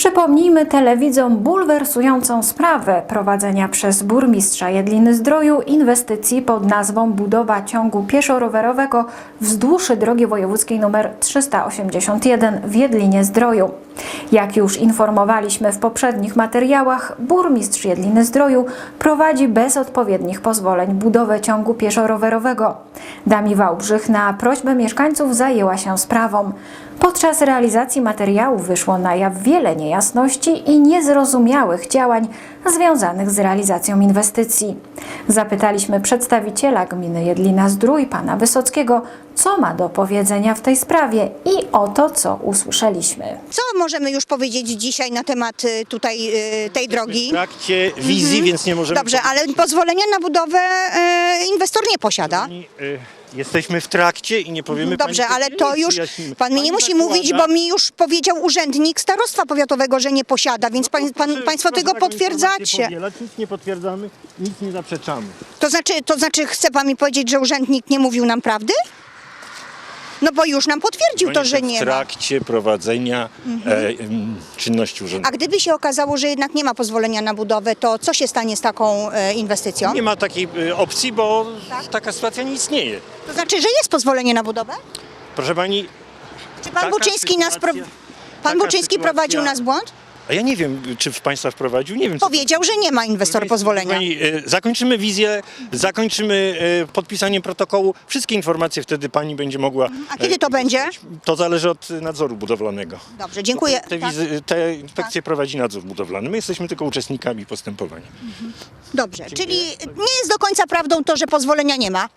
Przypomnijmy telewidzom bulwersującą sprawę prowadzenia przez burmistrza Jedliny-Zdroju inwestycji pod nazwą budowa ciągu pieszo-rowerowego wzdłuż drogi wojewódzkiej nr 381 w Jedlinie-Zdroju. Jak już informowaliśmy w poprzednich materiałach, burmistrz Jedliny-Zdroju prowadzi bez odpowiednich pozwoleń budowę ciągu pieszo-rowerowego. Dami Wałbrzych na prośbę mieszkańców zajęła się sprawą. Podczas realizacji materiału wyszło na jaw wiele niejasności i niezrozumiałych działań związanych z realizacją inwestycji. Zapytaliśmy przedstawiciela gminy Jedlina-Zdrój, pana Wysockiego, co ma do powiedzenia w tej sprawie i oto co usłyszeliśmy. Co możemy już powiedzieć dzisiaj na temat tutaj tej drogi? W trakcie wizji, więc nie możemy... Dobrze, ale pozwolenia na budowę inwestor nie posiada. Jesteśmy w trakcie i nie powiemy Dobrze, pani, ale to już pan mi nie musi mówić, bo mi już powiedział urzędnik starostwa powiatowego, że nie posiada, więc państwo tego potwierdzacie. Nic nie potwierdzamy, nic nie zaprzeczamy. To znaczy chce pan mi powiedzieć, że urzędnik nie mówił nam prawdy? No bo już nam potwierdził to, że nie w ma. trakcie prowadzenia czynności A urzędowych. gdyby się okazało, że jednak nie ma pozwolenia na budowę, to co się stanie z taką inwestycją? Nie ma takiej opcji, bo taka sytuacja nie istnieje. To znaczy, że jest pozwolenie na budowę? Proszę pani, Czy pan Taka Buczyński sytuacja- Pan taka Buczyński sytuacja- prowadził nas w błąd? a ja nie wiem, czy w państwa wprowadził, nie wiem. co- Powiedział, że nie ma inwestor pozwolenia. Pani, zakończymy wizję, zakończymy podpisanie protokołu. Wszystkie informacje wtedy pani będzie mogła... A kiedy to będzie? To zależy od nadzoru budowlanego. Dobrze, dziękuję. Tak. Te inspekcje prowadzi nadzór budowlany. My jesteśmy tylko uczestnikami postępowania. Dobrze, czyli nie jest do końca prawdą to, że pozwolenia nie ma.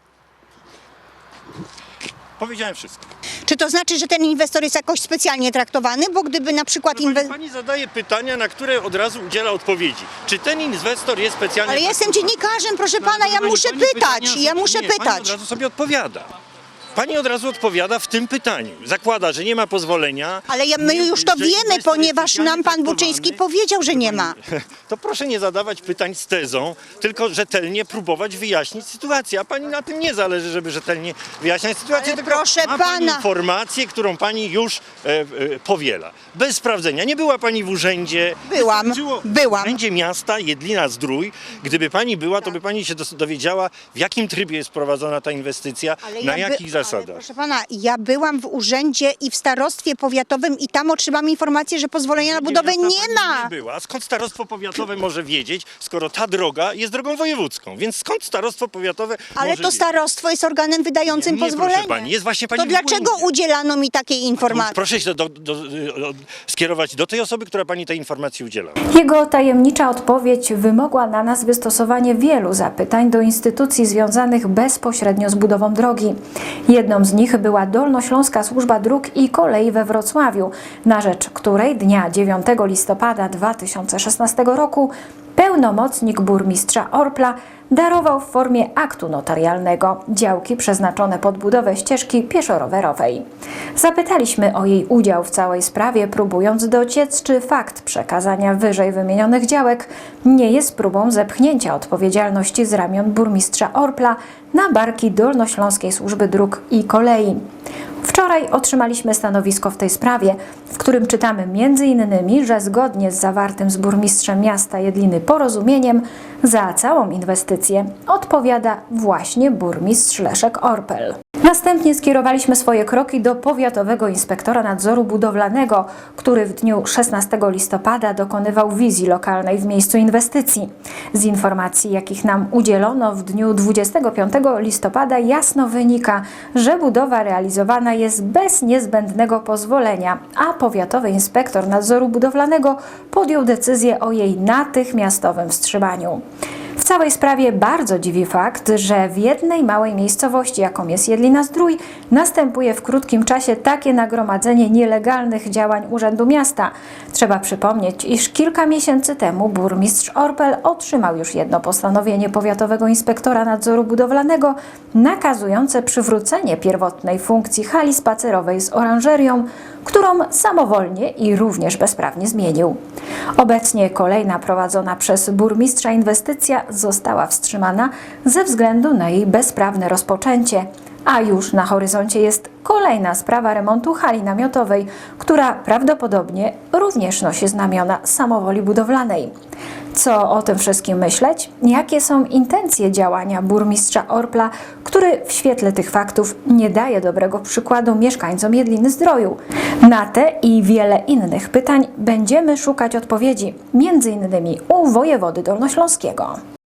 Powiedziałem wszystko. Czy to znaczy, że ten inwestor jest jakoś specjalnie traktowany? Bo gdyby na przykład Pani zadaje pytania, na które od razu udziela odpowiedzi. Czy ten inwestor jest specjalnie... Ale jestem dziennikarzem, proszę pana, ja muszę pytać. Ja muszę Pani od pytać. razu sobie odpowiada. Pani od razu odpowiada w tym pytaniu. Zakłada, że nie ma pozwolenia. Ale my już to że wiemy, inwestor jest ponieważ specjalnie nam pan traktowany. Buczyński powiedział, że nie ma. To proszę nie zadawać pytań z tezą, tylko rzetelnie próbować wyjaśnić sytuację. A pani na tym nie zależy, żeby rzetelnie wyjaśniać sytuację, Ale tylko proszę ma pani pana. informację, którą pani już powiela. Bez sprawdzenia. Nie była pani w urzędzie. Byłam. W urzędzie miasta Jedlina-Zdrój. Gdyby pani była, to by pani się dowiedziała, w jakim trybie jest prowadzona ta inwestycja, na jakich zasadach. Ale proszę pana, ja byłam w urzędzie i w starostwie powiatowym i tam otrzymam informację, że pozwolenia na budowę Miasta nie pani ma. Nie była. Skąd starostwo powiatowe może wiedzieć, skoro ta droga jest drogą wojewódzką? Więc skąd starostwo powiatowe Ale może to wiedzieć? starostwo jest organem wydającym Nie, proszę pozwolenie. pani, jest właśnie pani To w dlaczego błędzie. udzielano mi takiej informacji? Proszę się skierować do tej osoby, która pani tej informacji udziela. Jego tajemnicza odpowiedź wymogła na nas wystosowanie wielu zapytań do instytucji związanych bezpośrednio z budową drogi. Jedną z nich była Dolnośląska Służba Dróg i Kolei we Wrocławiu, na rzecz której dnia 9 listopada 2016 roku pełnomocnik burmistrza Orpla darował w formie aktu notarialnego działki przeznaczone pod budowę ścieżki pieszo-rowerowej. Zapytaliśmy o jej udział w całej sprawie, próbując dociec, czy fakt przekazania wyżej wymienionych działek nie jest próbą zepchnięcia odpowiedzialności z ramion burmistrza Orpla na barki Dolnośląskiej Służby Dróg i Kolei. Wczoraj otrzymaliśmy stanowisko w tej sprawie, w którym czytamy m.in., że zgodnie z zawartym z burmistrzem miasta Jedliny porozumieniem za całą inwestycję odpowiada właśnie burmistrz Leszek Orpel. Następnie skierowaliśmy swoje kroki do powiatowego inspektora nadzoru budowlanego, który w dniu 16 listopada dokonywał wizji lokalnej w miejscu inwestycji. Z informacji, jakich nam udzielono w dniu 25 listopada jasno wynika, że budowa realizowana jest bez niezbędnego pozwolenia, a powiatowy inspektor nadzoru budowlanego podjął decyzję o jej natychmiastowym wstrzymaniu. W całej sprawie bardzo dziwi fakt, że w jednej małej miejscowości, jaką jest Jedlina-Zdrój, następuje w krótkim czasie takie nagromadzenie nielegalnych działań Urzędu Miasta. Trzeba przypomnieć, iż kilka miesięcy temu burmistrz Orpel otrzymał już jedno postanowienie powiatowego inspektora nadzoru budowlanego nakazujące przywrócenie pierwotnej funkcji hali spacerowej z oranżerią, którą samowolnie i również bezprawnie zmienił. Obecnie kolejna prowadzona przez burmistrza inwestycja została wstrzymana ze względu na jej bezprawne rozpoczęcie. A już na horyzoncie jest kolejna sprawa remontu hali namiotowej, która prawdopodobnie również nosi znamiona samowoli budowlanej. Co o tym wszystkim myśleć? Jakie są intencje działania burmistrza Orpla, który w świetle tych faktów nie daje dobrego przykładu mieszkańcom Jedliny Zdroju? Na te i wiele innych pytań będziemy szukać odpowiedzi, m.in. u wojewody dolnośląskiego.